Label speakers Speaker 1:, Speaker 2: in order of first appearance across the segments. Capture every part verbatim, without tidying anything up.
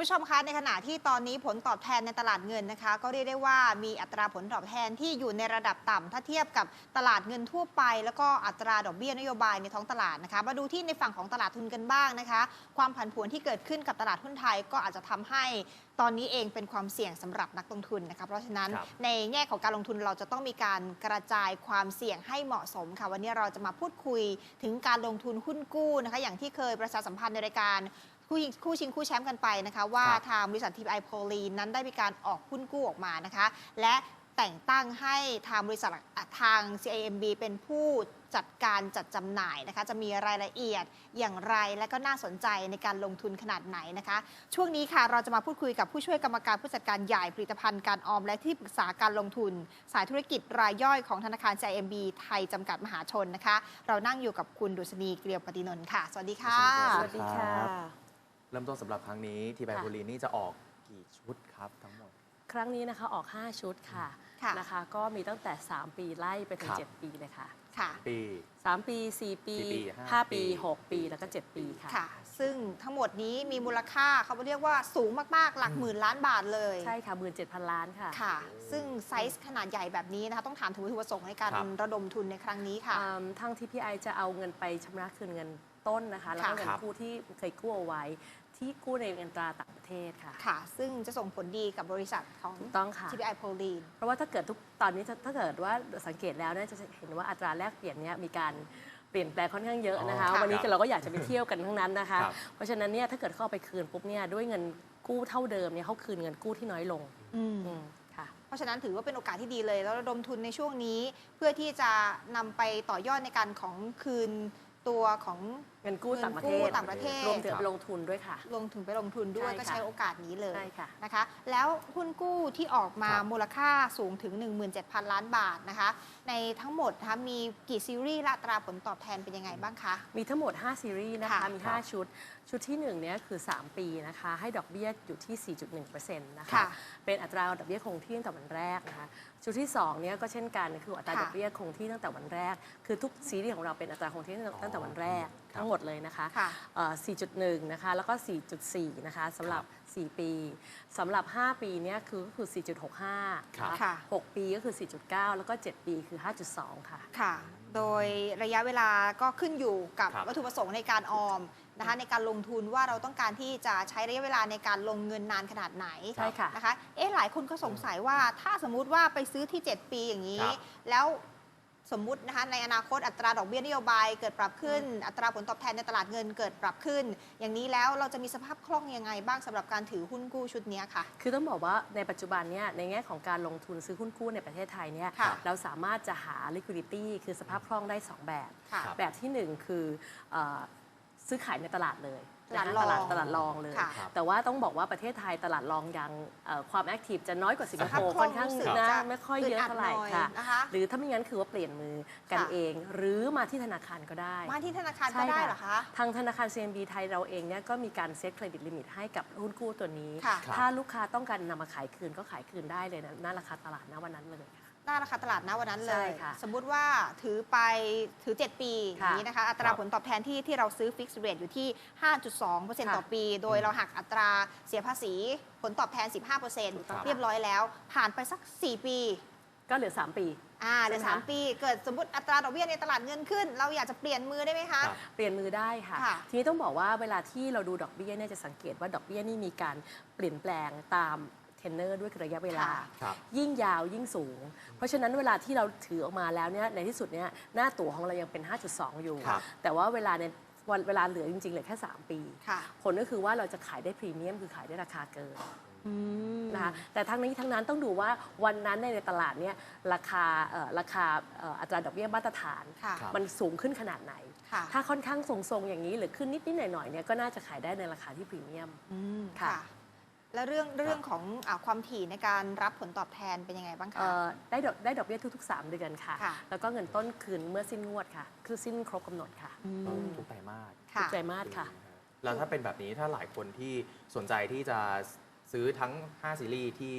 Speaker 1: ผู้ชมคะในขณะที่ตอนนี้ผลตอบแทนในตลาดเงินนะคะก็เรียกได้ว่ามีอัตราผลตอบแทนที่อยู่ในระดับต่ำถ้าเทียบกับตลาดเงินทั่วไปแล้วก็อัตราดอกเบี้ยนโยบายในท้องตลาดนะคะมาดูที่ในฝั่งของตลาดทุนกันบ้างนะคะความผันผวนที่เกิดขึ้นกับตลาดหุ้นไทยก็อาจจะทำให้ตอนนี้เองเป็นความเสี่ยงสำหรับนักลงทุนนะคะเพราะฉะนั้นในแง่ของการลงทุนเราจะต้องมีการกระจายความเสี่ยงให้เหมาะสมค่ะวันนี้เราจะมาพูดคุยถึงการลงทุนหุ้นกู้นะคะอย่างที่เคยประชาสัมพันธ์ในรายการคู่ชิงคู่แชมป์กันไปนะคะว่าทางบริษัท ที พี ไอ Pauline นั้นได้มีการออกหุ้นกู้ออกมานะคะและแต่งตั้งให้ทางบริษัททาง ซี ไอ เอ็ม บี เป็นผู้จัดการจัดจำหน่ายนะคะจะมีรายละเอียดอย่างไรและก็น่าสนใจในการลงทุนขนาดไหนนะคะช่วงนี้ค่ะเราจะมาพูดคุยกับผู้ช่วยกรรมการผู้จัดการใหญ่ผลิตภัณฑ์การออมและที่ปรึกษาการลงทุนสายธุรกิจรายย่อยของธนาคาร ซี ไอ เอ็ม บี ไทยจำกัดมหาชนนะคะเรานั่งอยู่กับคุณดุษณีเกลียวปฏินนท์ค่ะสวัสดีค่ะ
Speaker 2: สวัสดีค่ะ
Speaker 3: เริ่มต้นสำหรับครั้งนี้ทีไบโพลีนนี่จะออกกี่ชุดครับทั้งหมด
Speaker 2: ครั้งนี้นะคะออกห้าชุดค่ะนะคะก็มีตั้งแต่สามปีไล่ไปถึงเจ็ดปีเลยค่ะ
Speaker 1: ค่ะ
Speaker 3: ปี
Speaker 2: สามปีสี่ปีห้าปีหกปีแล้วก็เจ็ดปีค่ะ
Speaker 1: ค่ะซึ่งทั้งหมดนี้มีมูลค่าเขาเรียกว่าสูงมากๆหลักหมื่นล้านบาทเลย
Speaker 2: ใช่ค่ะหมื่นเจ็ดพันล้านค่ะ
Speaker 1: ค่ะซึ่งไซส์ขนาดใหญ่แบบนี้นะคะต้องถามถึงวัตถุประสงค์ในการระดมทุนในครั้งนี้ค่ะ
Speaker 2: ทาง ที พี ไอ จะเอาเงินไปชำระคืนเงินต้นนะคะแล้วก็เงินกู้ที่เคยกู้เอาไว้ที่กู้ในเงินตราต่างประเทศค่ะ
Speaker 1: ค่ะซึ่งจะส่งผลดีกับบริษัทของ ที พี ไอ Pauline
Speaker 2: เพราะว่าถ้าเกิดทุกตอนนี้ถ้าเกิดว่าสังเกตแล้วเนี่ยจะเห็นว่าอัตราแลกเปลี่ยนเนี่ยมีการเปลี่ยนแปลงค่อนข้างเยอะนะคะวันนี้เราก็อยากจะไปเที่ยวกันทั้งนั้นนะคะเพราะฉะนั้นเนี่ยถ้าเกิดเข้าไปคืนปุ๊บเนี่ยด้วยเงินกู้เท่าเดิมเนี่ยเขาคืนเงินกู้ที่น้อยลง
Speaker 1: ค่ะเพราะฉะนั้นถือว่าเป็นโอกาสที่ดีเลยแล้วระดมทุนในช่วงนี้เพื่อที่จะนำไปต่อยอดในการของคืนตัวของ
Speaker 2: เงินกู้ต่างประเทศ
Speaker 1: ต่างประเทศ
Speaker 2: รวมถึงลงทุนด้วยค่ะ
Speaker 1: ลงถึงไปลงทุนด้วยก็ใช้โอกาสนี้เลย
Speaker 2: ะ
Speaker 1: นะคะแล้วหุ้นกู้ที่ออกมามูลค่าสูงถึง หนึ่งหมื่นเจ็ดพัน ล้านบาทนะคะในทั้งหมดนะคะมีกี่ซีรีส์และอัตราผลตอบแทนเป็นยังไงบ้างคะ
Speaker 2: มีทั้งหมดห้าซีรีส์นะคะมีห้าชุดชุดที่หนึ่งเนี่ยคือสามปีนะคะให้ดอกเบี้ยอยู่ที่ สี่จุดหนึ่งเปอร์เซ็นต์ นะคะเป็นอัตราดอกเบี้ยคงที่ตั้งแต่วันแรกนะคะชุดที่สองเนี่ยก็เช่นกันคืออัตราดอกเบี้ยคงที่ตั้งแต่วันแรกคือทุกซีรีส์ของเราเป็นอัตราคงที่ตั้งแต่วันแรกทั้งหมดเลยนะคะ สี่จุดหนึ่ง นะคะ แล้วก็ สี่จุดสี่ นะคะสำหรับ สี่ ปีสำหรับ ห้า ปีเนี่ยคือก็คือ สี่จุดหกห้า ค่ะ หก ปีก็คือ สี่จุดเก้า แล้วก็ เจ็ด ปีคือ ห้าจุดสอง ค่ะ
Speaker 1: ค่ะ โดยระยะเวลาก็ขึ้นอยู่กับวัตถุประสงค์ในการออมนะคะในการลงทุนว่าเราต้องการที่จะใช้ระยะเวลาในการลงเงินนานขนาดไหน
Speaker 2: ใช่ค่ะ
Speaker 1: นะคะเอ๊ะหลายคนก็สงสัยว่าถ้าสมมุติว่าไปซื้อที่ เจ็ด ปีอย่างนี้แล้วสมมุตินะคะในอนาคตอัตราดอกเบี้ยนโยบายเกิดปรับขึ้นอัตราผลตอบแทนในตลาดเงินเกิดปรับขึ้นอย่างนี้แล้วเราจะมีสภาพคล่องยังไงบ้างสำหรับการถือหุ้นกู้ชุดนี้ค่ะ
Speaker 2: คือต้องบอกว่าในปัจจุบันเนี่ยในแง่ของการลงทุนซื้อหุ้นกู้ในประเทศไทยเนี่ยเราสามารถจะหา liquidity คือสภาพคล่องได้สองแบบแบบที่หนึ่งคือซื้อขายในตลาดเลย
Speaker 1: ตลาด
Speaker 2: ตลาดตลาดรองเลยแต่ว่าต้องบอกว่าประเทศไทยตลาดรองยังความแอคทีฟจะน้อยกว่าสิงคโปร์ค่อนข้างนะไม่ค่อยเยอะเท่าไหร่ค่ะหรือถ้าไม่งั้นคือว่าเปลี่ยนมือกันเองหรือมาที่ธนาคารก็ได้
Speaker 1: มาที่ธนาคารก็ได้เหรอคะ
Speaker 2: ทางธนาคาร ซี เอ็ม บี ไทยเราเองเนี่ยก็มีการเซตเครดิตลิมิตให้กับหุ้นกู้ตัวนี้ถ้าลูกค้าต้องการนำมาขายคืนก็ขายคืนได้เลยนะหน้าราคาตลาดณวันนั้นเลย
Speaker 1: หน้าราคาตลาดณวันนั้นเลยสมมุติว่าถือไปถือเจ็ดปีอย่างนี้นะคะอัตราผลตอบแทนที่ที่เราซื้อฟิกซ์เรทอยู่ที่ ห้าจุดสองเปอร์เซ็นต์ ต่อปีโดยเราหักอัตราเสียภาษีผลตอบแทน สิบห้าเปอร์เซ็นต์ เรียบร้อยแล้วผ่านไปสักสี่ปี
Speaker 2: ก็เหลือสามปี
Speaker 1: อ่าเหลือสามปีเกิดสมมติอัตราดอกเบี้ยในตลาดเงินขึ้นเราอยากจะเปลี่ยนมือได้ไหมคะ
Speaker 2: เปลี่ยนมือได้ค่ะทีนี้ต้องบอกว่าเวลาที่เราดูดอกเบี้ยเนี่ยจะสังเกตว่าดอกเบี้ยนี่มีการเปลี่ยนแปลงตามเทนเนอร์ด้วยระยะเวลายิ่งยาวยิ่งสูงเพราะฉะนั้นเวลาที่เราถือออกมาแล้วเนี่ยในที่สุดเนี่ยหน้าตั๋วของเรายังเป็น ห้าจุดสอง อยู่แต่ว่าเวลาในวันเวลาเหลือจริงๆเหลือแค่สามปีผลก็คือว่าเราจะขายได้พรีเมียมคือขายได้ราคาเกินนะคะแต่ทั้งนี้ทั้งนั้นต้องดูว่าวันนั้นในตลาดเนี่ยราคาราคาอัตราดอกเบี้ยมาตรฐานมันสูงขึ้นขนาดไหนถ้าค่อนข้างทรงๆอย่างนี้หรือขึ้นนิดๆหน่อยๆเนี่ยก็น่าจะขายได้ในราคาที่พรีเมียม
Speaker 1: ค่ะแล้วเรื่องเรื่องของความถี่ในการรับผลตอบแทนเป็นยังไงบ้างคะ
Speaker 2: ได้ดอกได้ดอกเบี้ยทุกๆสามเดือนค่ะแล้วก็เงินต้นคืนเมื่อสิ้นงวดค่ะคือสิ้นครบกำหนดค่ะ
Speaker 3: ทุกไตรมาส
Speaker 2: ทุกไตรมาสค่ะ
Speaker 3: แล้วถ้าเป็นแบบนี้ถ้าหลายคนที่สนใจที่จะซื้อทั้งห้าซีรีส์ที่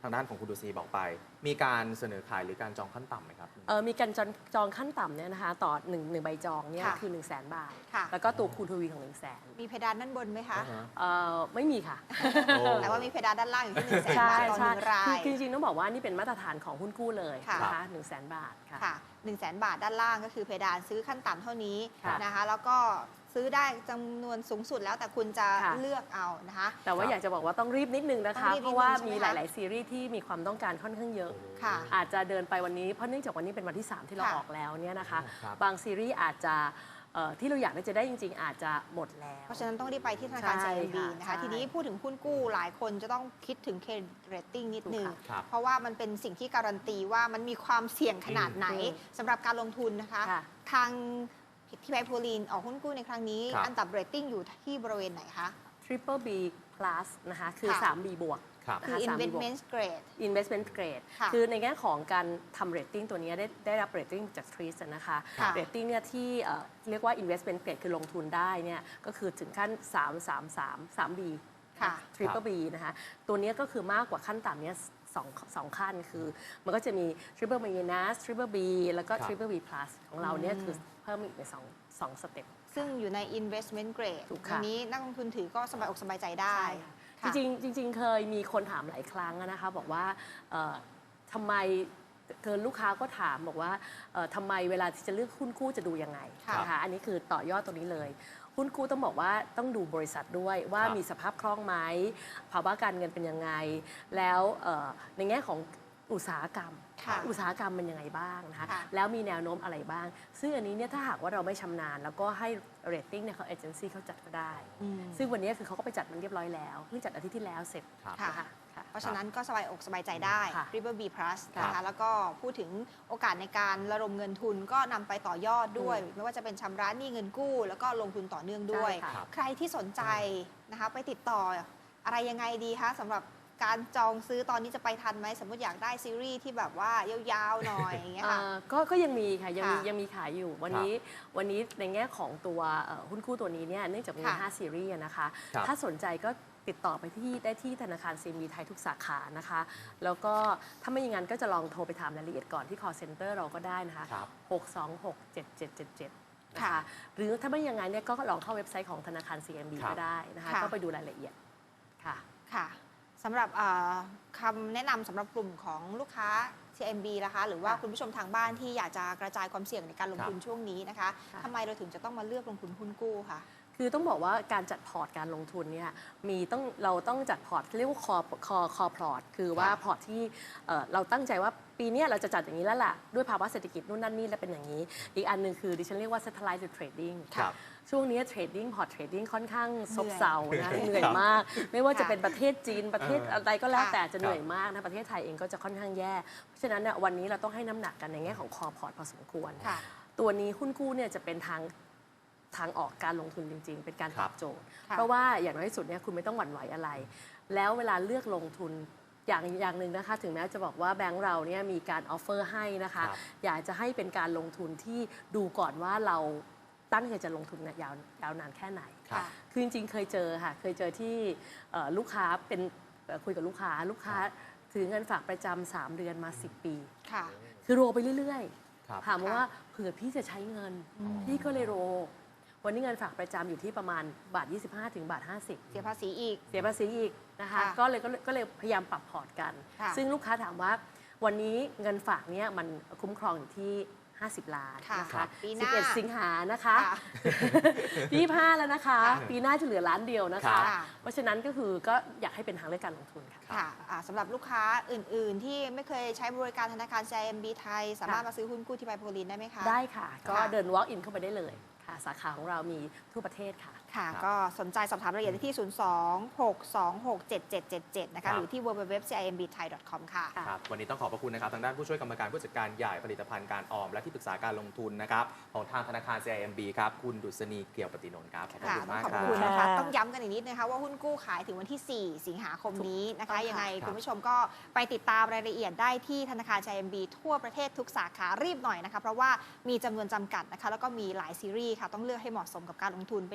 Speaker 3: ทางด้านของคุณดุษฎีบอกไป มีการเสนอขายหรือการจองขั้นต่ำไหมครับ
Speaker 2: เออมีการจองจองขั้นต่ำเนี่ยนะคะต่อหนึ่งหนึ่งใบจองเนี่ย
Speaker 1: ค่ะ
Speaker 2: คือ 1 0 0 0 0แสนบาท
Speaker 1: ค่ะ
Speaker 2: แล้วก็ตัวคูณทวีของ 1 0 0 0 0แสน
Speaker 1: มีเพดานด้านบนไหมคะ
Speaker 3: อ่าฮะ
Speaker 2: เออไม่มีค่ะ
Speaker 3: โอ้
Speaker 1: แต่ว่ามีเพดานด้านล่างอยู่ที่หนึ่งแสน
Speaker 2: ใช่
Speaker 1: บาทต่อห
Speaker 2: ใช่
Speaker 1: นึ่งรา
Speaker 2: คือย คือจริงๆต้องบอกว่านี่เป็นมาตรฐานของหุ้นกู้เลย
Speaker 1: ค่ะ
Speaker 2: นะคะหนึ่งแสนบาทค่ะ
Speaker 1: ค่ะหนึ่งแสนบาทด้านล่างก็คือเพดานซื้อขั้นต่ำเท่านี้
Speaker 2: ค่ะ
Speaker 1: นะคะ แล้วก็ซื้อได้จำนวนสูงสุดแล้วแต่คุณจะ
Speaker 2: ค่ะ
Speaker 1: เลือกเอานะคะ
Speaker 2: แต่ว่าอยากจะบอกว่าต้องรีบนิดนึงนะ
Speaker 1: ต้
Speaker 2: คะ
Speaker 1: องรีบนิดนึง
Speaker 2: เพราะว่า
Speaker 1: ใช่ไหม
Speaker 2: มี
Speaker 1: คะ
Speaker 2: หลาย ๆ ซีรีส์ที่มีความต้องการค่อนข้างเยอะ
Speaker 1: ค่ะ
Speaker 2: อาจจะเดินไปวันนี้เพราะเนื่องจากวันนี้เป็นวันที่ สาม ที่เรา
Speaker 1: ค่ะ
Speaker 2: ออกแล้วเนี่ยนะคะ
Speaker 3: ครับ
Speaker 2: บางซีรีส์อาจจะเอ่อที่เราอยากได้จะได้จริง ๆ อาจจะหมดแล้ว
Speaker 1: เพราะฉะนั้นต้องรีบไปที่ธนาคาร
Speaker 2: ใช่
Speaker 1: ซี เอ็ม บี
Speaker 2: ค่ะ
Speaker 1: นะคะ
Speaker 2: ใช่
Speaker 1: ทีนี้พูดถึงหุ้นกู้หลายคนจะต้องคิดถึงเครดิตเรตติ้งนิดนึง
Speaker 2: ถูกค่ะ
Speaker 3: ครับ
Speaker 1: เพราะว่ามันเป็นสิ่งที่การันตีว่ามันมีความเสี่ยงขนาดไหน
Speaker 2: อืม
Speaker 1: สำหรับการลงทุนนะคะ
Speaker 2: ค่ะ
Speaker 1: ทางพี่ไบโพลีนออกหุ้นกู้ในครั้งนี้
Speaker 3: ครับ
Speaker 1: อันดับเรตติ้งอยู่ที่บริเวณไหนคะ
Speaker 2: Triple B plus นะคะคือ
Speaker 1: ค่ะ
Speaker 2: สาม B บวก
Speaker 3: ครับ
Speaker 1: คือ
Speaker 2: นะคะ สาม B บวก
Speaker 1: investment grade
Speaker 2: investment grade
Speaker 1: ค่ะ
Speaker 2: คือในแง่ของการทำ rating ตัวนี้ได้ได้รับ rating จาก ทรีส นะคะ
Speaker 1: ค่ะ
Speaker 2: rating เนี่ยที่เอ่อเรียกว่า investment grade คือลงทุนได้เนี่ยก็คือถึงขั้น สาม สาม สาม สาม B
Speaker 1: ค่ะ
Speaker 2: Triple B นะคะตัวเนี้ยก็คือมากกว่าขั้นต่ำเนี้ยสองสองขั้นคือมันก็จะมี Triple minus Triple B แล้วก็
Speaker 3: ครับ
Speaker 2: Triple B plus ของเราเนี่ย
Speaker 1: อืม
Speaker 2: คือเพิ่มอีกในสองสองสเต็ป
Speaker 1: ซึ่งอยู่ใน investment grade
Speaker 2: ถูก
Speaker 1: อั
Speaker 2: ค่ะ
Speaker 1: นนี้นักลงทุนถือก็สบายอกสบายใจได้
Speaker 2: ใช่ค่ะ
Speaker 1: ค่ะ
Speaker 2: จริงๆจริงๆเคยมีคนถามหลายครั้งอะนะคะบอกว่าเอ่อทำไมเกินลูกค้าก็ถามบอกว่าเอ่อทำไมเวลาที่จะเลือกหุ้นกู้จะดูยังไง
Speaker 1: ค่ะ
Speaker 2: นะคะอันนี้คือต่อยอดตรงนี้เลย หุ้นกู้ต้องบอกว่าต้องดูบริษัทด้วยว่า
Speaker 3: ครับ
Speaker 2: มีสภาพคล่องไหมภาวะการเงินเป็นยังไง แล้วเอ่อในแง่ของอุตสาหกรรม
Speaker 1: ค่ะ
Speaker 2: อุตสาหกรรมเป็นยังไงบ้างนะคะ
Speaker 1: ค่ะ
Speaker 2: แล้วมีแนวโน้มอะไรบ้าง ซึ่งอันนี้เนี่ยถ้าหากว่าเราไม่ชำนาญแล้วก็ให้เรตติ้งเนี่ยเขาเอเจนซี่เขาจัดก็ได้
Speaker 1: อืม
Speaker 2: ซึ่งวันนี้คือเขาก็ไปจัดมันเรียบร้อยแล้วเพิ่งจัดอาทิตย์ที่แล้วเสร็จ
Speaker 3: ครับ
Speaker 1: ค่ะ
Speaker 2: นะคะค่ะ
Speaker 1: เพราะฉะนั้นก็สบายอกสบายใจได้
Speaker 2: ค่ะ
Speaker 1: Triple B plus
Speaker 3: ครับ
Speaker 1: นะคะ แล้วก็พูดถึงโอกาสในการระดมเงินทุนก็นำไปต่อยอดด้วย ไม่ว่าจะเป็นชำระหนี้เงินกู้ แล้วก็ลงทุนต่อเนื่องด้วย
Speaker 2: ใช่ค่ะ
Speaker 3: ครับ
Speaker 1: ใครที่สนใจนะคะไปติดต่ออะไรยังไงดีคะสำหรับการจองซื้อตอนนี้จะไปทันไหมสมมติอยากได้ซีรีส์ที่แบบว่ายาวๆหน่อยอย่างเงี้ยค่ะ
Speaker 2: เอ่อก็ก็ยังมีค่ะยังมี
Speaker 1: ค่ะ
Speaker 2: ยังมีขายอยู่วันนี้วันนี้ในแง่ของตัวเอ่อหุ้นกู้ตัวนี้เนี่ยเนื่องจากมี
Speaker 1: ค่ะ
Speaker 2: ห้าซีรีส์อะนะคะ
Speaker 3: ครับ
Speaker 2: ถ้าสนใจก็ติดต่อไปที่ได้ที่ธนาคาร ซี เอ็ม บี ไทยทุกสาขานะคะ แล้วก็ถ้าไม่อย่างนั้นก็จะลองโทรไปถามรายละเอียดก่อนที่ call center เราก็ได้นะคะ
Speaker 3: ครับ
Speaker 2: หก สอง หก เจ็ด เจ็ด เจ็ด เจ็ดนะ
Speaker 1: ค่ะ
Speaker 2: คะหรือถ้าไม่อย่างนั้นเนี่ยก็ลองเข้าเว็บไซต์ของธนาคาร ซี เอ็ม บี
Speaker 3: ครับ
Speaker 2: ก็ได้นะคะ
Speaker 1: ค่ะ
Speaker 2: ก็ไปดูรายละเอียดค่ะ
Speaker 1: ค่ะสำหรับเอ่อคำแนะนำสำหรับกลุ่มของลูกค้า ซี เอ็ม บี นะคะ หรือว่า
Speaker 2: ค่ะ
Speaker 1: คุณผู้ชมทางบ้านที่อยากจะกระจายความเสี่ยงในการลงทุน
Speaker 3: ครับ
Speaker 1: ช่วงนี้นะคะ
Speaker 2: ค่ะ
Speaker 1: ทำไมเราถึงจะต้องมาเลือกลงทุนหุ้นกู้คะ
Speaker 2: คือต้องบอกว่าการจัดพอร์ตการลงทุนเนี่ยมีต้องเราต้องจัดพอร์ตเรียกว่าคอคอคอพอร์ตคือว่า
Speaker 1: ค่ะ
Speaker 2: พอร์ตที่เอ่อเราตั้งใจว่าปีเนี้ยเราจะจัดอย่างนี้แล้วล่ะ ด้วยภาวะเศรษฐกิจนู่นนั่นนี่แล้วเป็นอย่างนี้ อีกอันหนึ่งคือดิฉันเรียกว่า satellite trading
Speaker 3: ครับ
Speaker 2: ช่วงนี้เทรดดิ้งพอร์ตเทรดดิ้งค่อนข้างซบ
Speaker 1: เหนื่อย
Speaker 2: เซานะเหนื่อยมาก ไม่ว่าจะเป็นประเทศจีนประเทศ
Speaker 3: เอออ
Speaker 2: อะไรก็แล้ว
Speaker 1: ค่ะ
Speaker 2: แต่จะเหนื่อยมากนะประเทศไทยเองก็จะค่อนข้างแย่ เพราะฉะนั้นเนี่ยวันนี้เราต้องให้น้ำหนักกันในแง่ของคอพอร์ตพอสมควร
Speaker 1: ค่ะ
Speaker 2: ตัวนี้หุ้นกู้เนี่ยจะเป็นทางทางออกการลงทุนจริง ๆ เป็นการ
Speaker 3: ค
Speaker 2: ต
Speaker 3: รั
Speaker 2: อบ บโจทย์
Speaker 1: ค่ะ
Speaker 2: เพราะว่าอย่างน้อยที่สุดเนี่ยคุณไม่ต้องหวั่นไหวอะไร แล้วเวลาเลือกลงทุนอย่างอย่างหนึ่งนะคะ ถึงแม้จะบอกว่าแบงก์เราเนี่ยมีการออฟเฟอร์ให้นะคะ
Speaker 3: ครับ
Speaker 2: อยากจะให้เป็นการลงทุนที่ดูก่อนว่าเราตั้งใจจะลงทุนเนี่ยยาวยาวนานแค่ไหน
Speaker 3: ครับ
Speaker 2: คือจริงๆ เคยเจอค่ะ เคยเจอที่เอ่อลูกค้าเป็นเอ่อคุยกับลูกค้า ลูกค้าถือเงินฝากประจำสามเดือนมา สิบ ปี
Speaker 1: ค่ะ
Speaker 2: คือโรไปเรื่อย
Speaker 3: ครับ
Speaker 2: ๆ ถามว่าเผื่อพี่จะใช้เงิน
Speaker 1: อืม
Speaker 2: พี่ก็เลยโร วันนี้เงินฝากประจำอยู่ที่ประมาณบาท ยี่สิบห้า ถึงบาท ห้าสิบ
Speaker 1: เสียภาษีอีก
Speaker 2: เสียภาษีอีกนะคะ
Speaker 1: ค่ะ
Speaker 2: ก็เลยก็เลยก็เลยพยายามปรับพอร์ตกัน
Speaker 1: ค่ะ
Speaker 2: ซึ่งลูกค้าถามว่าวันนี้เงินฝากเนี้ยมันคุ้มครองอยู่ที่ ห้าสิบ ล้าน
Speaker 1: ค่ะ
Speaker 2: นะคะ
Speaker 1: ปีห
Speaker 2: สิบ
Speaker 1: น้า
Speaker 2: เอ็ด สิงหานะคะ
Speaker 1: ค่ะ
Speaker 2: ปียี่สิบห้าแล้วนะคะ
Speaker 1: ค่ะ
Speaker 2: ปีหน้าจะเหลือล้านเดียวนะ
Speaker 3: ครั
Speaker 2: คะ
Speaker 3: บ
Speaker 2: เพราะฉะนั้นก็คือก็อยากให้เป็นทางเลือกการลงทุนค่ะ
Speaker 1: ค่ะอ่าสำหรับลูกค้าอื่น ๆ ที่ไม่เคยใช้บริการธนาคาร ซี ไอ เอ็ม บี ไทย สามารถ
Speaker 2: ค่ะ
Speaker 1: มาซื้อหุ้นกู้ที่ไบโพลีนได้ไหมคะ
Speaker 2: ได้ค่ะ ก็
Speaker 1: ค่ะ
Speaker 2: เดิน walk in เข้าไปได้เลยค่ะ สาขาของเรามีทั่วประเทศค่ะ
Speaker 1: ค่ะ
Speaker 3: ครับ
Speaker 1: ก็สนใจสอบถามรายละเอียดได้ที่ ศูนย์ สอง หก สอง หก เจ็ด เจ็ด เจ็ด เจ็ด นะ
Speaker 3: ครั
Speaker 1: คะ
Speaker 3: บ
Speaker 1: หรือที่ ดับเบิลยู ดับเบิลยู ดับเบิลยู ดอท ซี ไอ เอ็ม บี ไทย ดอท คอม ค่ะ
Speaker 2: ค่ะ
Speaker 3: ครับวันนี้ต้องขอบพระคุณนะครับทางด้านผู้ช่วยกรรมการผู้จัดการใหญ่ผลิตภัณฑ์การออม และที่ปรึกษาการลงทุนนะครับของทางธนาคาร ซี ไอ เอ็ม บี ครับคุณดุษณีเกี่ยวปฏินนท์ครับขอบพระ
Speaker 1: ค่ะ
Speaker 3: คุณ
Speaker 1: ต้อง
Speaker 3: มาก
Speaker 1: ขอบ
Speaker 3: ครั
Speaker 1: คุณนะคะ
Speaker 2: ค่ะ
Speaker 1: ต้องย้ำกันอีกนิดนะคะว่าหุ้นกู้ขายถึงวันที่ สี่ สิงหาคมนี้นะคะ
Speaker 2: ถูกต้องค่ะ
Speaker 1: ยังไง
Speaker 3: ครับ
Speaker 1: คุณผู้ชมก็ไปติดตามรายละเอียดได้ที่ธนาคาร ซี ไอ เอ็ม บี ทั่วประเทศทุกสาขารีบหน่อยนะคะ เพราะว่ามีจำนวนจำกัดนะคะ แล้วก็มีหลายซีรีส์ค่ะ ต้องเลือกให้เหมาะสมกับการลงทุนเป็นอีกหนึ่ง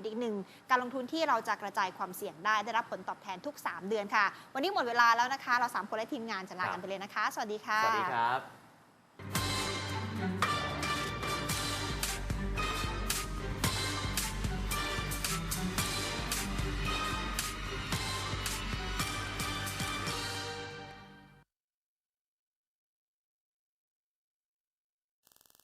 Speaker 1: การลงทุนที่เราจะกระจายความเสี่ยงได้ได้รับผลตอบแทนทุกสามเดือนค่ะวันนี้หมดเวลาแล้วนะคะเราสามคนและทีมงานจะลากันไปเลยนะคะสวัสดีค่ะ
Speaker 3: สวัสดีครับ